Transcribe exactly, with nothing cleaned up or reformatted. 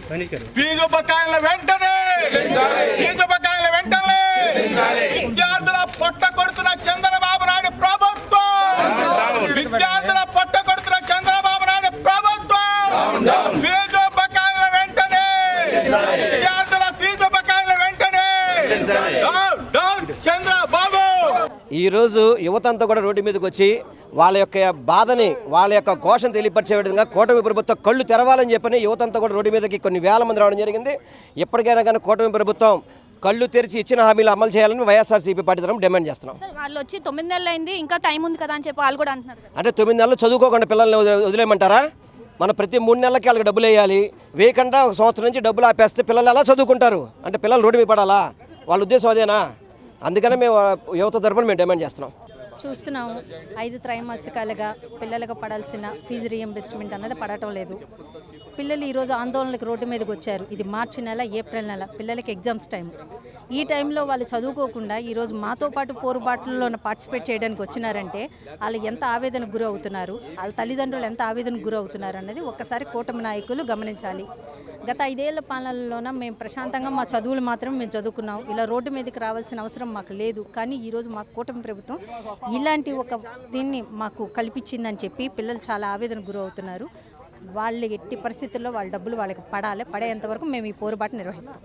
Fee బకాయిల వెంటనే fee బకాయిల వెంటనే విద్యార్థుల పొట్ట కొడుతున్న చంద్రబాబు నాయుడు ప్రభుత్వం విద్యార్థుల పొట్ట కొడుతున్న చంద్రబాబు నాయుడు ప్రభుత్వం ఫీజు బకాయిల వెంటనే విద్యార్థుల ఫీజు బకాయిల వెంటనే డౌన్ డౌన్ చంద్రబాబు. ఈరోజు యువత అంతా కూడా రోడ్డు మీదకి వచ్చి వాళ్ళ యొక్క బాధని వాళ్ళ యొక్క ఘోషను తెలియపరిచే విధంగా కూటమి ప్రభుత్వం కళ్ళు తెరవాలని చెప్పని యువత అంతా కూడా రోడ్డు మీదకి కొన్ని వేల మంది రావడం జరిగింది. ఎప్పటికైనా కానీ కూటమి ప్రభుత్వం కళ్ళు తెరిచి ఇచ్చిన హామీలు అమలు చేయాలని వైఎస్ఆర్సీపీ పార్టీ తరఫున డిమాండ్ చేస్తున్నాం. వాళ్ళు వచ్చి తొమ్మిది నెలలు అయింది, ఇంకా టైం ఉంది కదా అని చెప్పి వాళ్ళు కూడా అంటున్నారు. అంటే తొమ్మిది నెలలు చదువుకోకుండా పిల్లల్ని వదిలేయమంటారా? మన ప్రతి మూడు నెలలకి వాళ్ళకి డబ్బులు వేయాలి. వేయకుండా ఒక సంవత్సరం నుంచి డబ్బులు ఆపేస్తే పిల్లలు ఎలా చదువుకుంటారు? అంటే పిల్లలు రోడ్డు మీద పడాలా? వాళ్ళ ఉద్దేశం అదేనా? అందుకనే మేము యువత తరఫున మేము డిమాండ్ చేస్తున్నాం. చూస్తున్నాము ఐదు త్రైమాసికాలుగా పిల్లలకు పడాల్సిన ఫీజు రీఎంబర్స్మెంట్ అన్నది పడటం లేదు. పిల్లలు ఈరోజు ఆందోళనకు రోడ్డు మీదకి వచ్చారు. ఇది మార్చి నెల, ఏప్రిల్ నెల, పిల్లలకి ఎగ్జామ్స్ టైం. ఈ టైంలో వాళ్ళు చదువుకోకుండా ఈరోజు మాతో పాటు పోరుబాట్లలో పార్టిసిపేట్ చేయడానికి వచ్చినారంటే వాళ్ళు ఎంత ఆవేదనకు గురి అవుతున్నారు, వాళ్ళ తల్లిదండ్రులు ఎంత ఆవేదనకు గురి అవుతున్నారు అన్నది ఒక్కసారి కూటమి నాయకులు గమనించాలి. గత ఐదేళ్ల పాలనలోన మేము ప్రశాంతంగా మా చదువులు మాత్రం మేము చదువుకున్నాం. ఇలా రోడ్డు మీదకి రావాల్సిన అవసరం మాకు లేదు. కానీ ఈరోజు మా కూటమి ప్రభుత్వం ఇలాంటి ఒక దీన్ని మాకు కల్పించిందని చెప్పి పిల్లలు చాలా ఆవేదనకు గురి అవుతున్నారు. వాళ్ళు ఎట్టి పరిస్థితుల్లో వాళ్ళ డబ్బులు వాళ్ళకి పడాలి. పడేంత వరకు మేము ఈ పోరుబాటు నిర్వహిస్తాం.